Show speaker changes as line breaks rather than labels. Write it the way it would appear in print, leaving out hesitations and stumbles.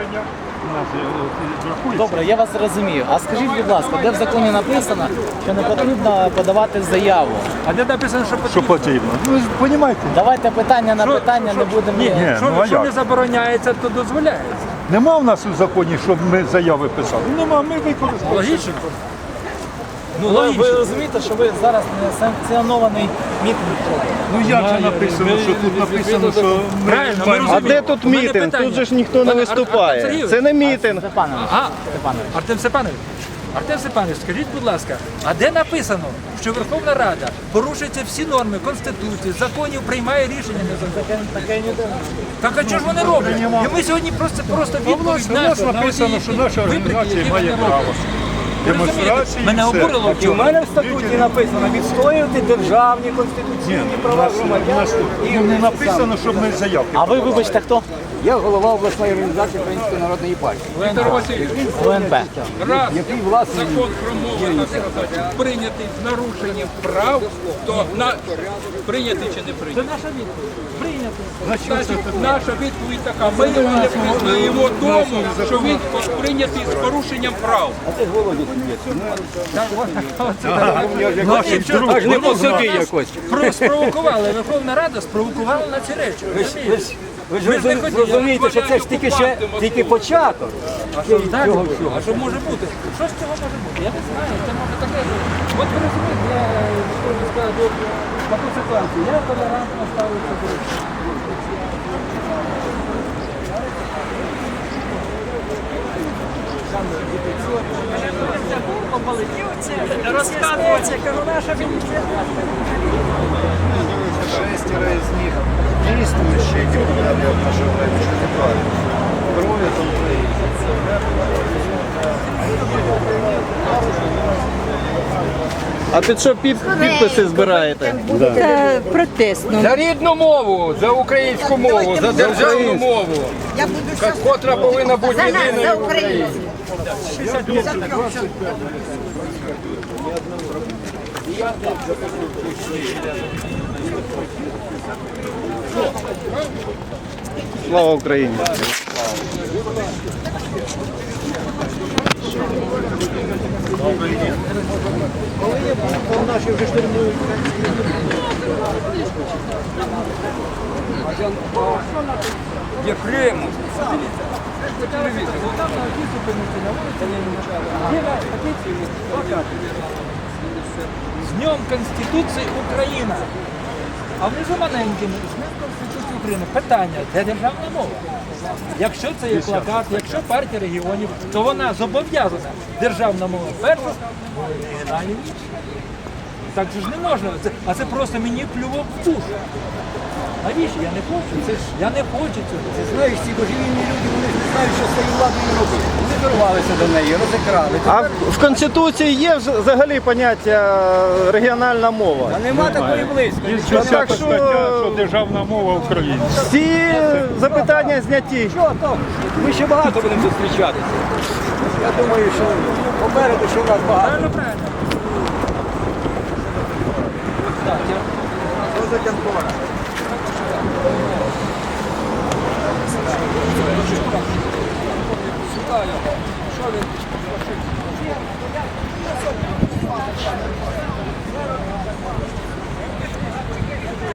рішення. У нас рахується.
Добре, я вас розумію. А скажіть, будь ласка, де в законі написано, що не потрібно подавати заяву?
А де написано, що
Що
потрібно?
потрібно? Ви ж розумієте,
Давайте питання на
Що-
питання не будемо.
Ні. Ну, а
Що
як?
не забороняється, то дозволяється.
нема в нас у законі, щоб ми заяви писали. Нема, ми використовуємо.
Логічно? Ну,
Ви
логічно.
розумієте, що ви зараз не санкціонований мітинг робите?
Ну як же написано, що тут написано, що ми
Правильно, ми
маємо...
А
розуміємо.
де тут
У мене
мітинг?
питання.
Тут же ж ніхто не
Пане Артем
виступає.
Сергійович.
Це не мітинг.
Степанович,
Ага.
Степанович.
Артем Степанович, скажіть, будь ласка, а де написано, що Верховна Рада порушується всі норми Конституції, законів, приймає рішення незаконне? Так а чого ж вони роблять? І ми сьогодні просто
У
відповідь
нас
на
написано, що наша організація має право. Демонстрації.
Мене
все.
обурило.
І в мене в статуті написано відстоювати державні конституційні права громадян.
Не написано, щоб ми заявки.
А ви, вибачте, хто?
Я голова обласної організації Української народної партії,
ВНП.
який власне
Закон про мову прийнятий з нарушенням прав, то прийнятий чи не прийнятий?
Це наша відповідь. Прийнято.
Значить, наша відповідь така. Ми його не визнаємо тому, що він прийнятий з порушенням прав.
аж не по собі якось.
Спровокували, Верховна Рада спровокувала на ці речі. Розумієте?
Ви ж розумієте, що це ж тільки початок.
Так, а що може бути? Що з цього може бути? Я не знаю, це може таке. От ви розумієте, я можу сказати, таку ситуацію. Я толерантно ставлюся до речі.
Розказується, кажу, наша міліція.
Шестеро из них действующие депутаты от нашего правительства партии. Трое там А під що підписи збираєте?
Протестно.
За рідну мову, за українську мову, за державну мову, котра повинна бути єдиною в Україні.
Слава Україні!
Єфремов.
З Днем Конституції Україна. А внизу маленьким, з Днем Конституції України. Питання, де державна мова? Якщо це є плакат, якщо партія регіонів, то вона зобов'язана державна мова першу, мова регіональні інші. Так же ж не можна. А це просто мені плювок в душу. Навіщо? Я не хочу. Я не хочу цього.
Знаєш, ці божевільні люди, вони ж не знають, що з цією владою робити. Вони дорвалися до неї, розікрали.
А в Конституції є взагалі поняття регіональна мова?
А нема такої близько.
Є
так
10
що-
стаття, що державна мова українська.
Всі запитання зняті.
Що то? Ми ще багато будемо зустрічатися. Я думаю, що попереду, що в нас багато.
Правильно, правильно.
Що за Янкова?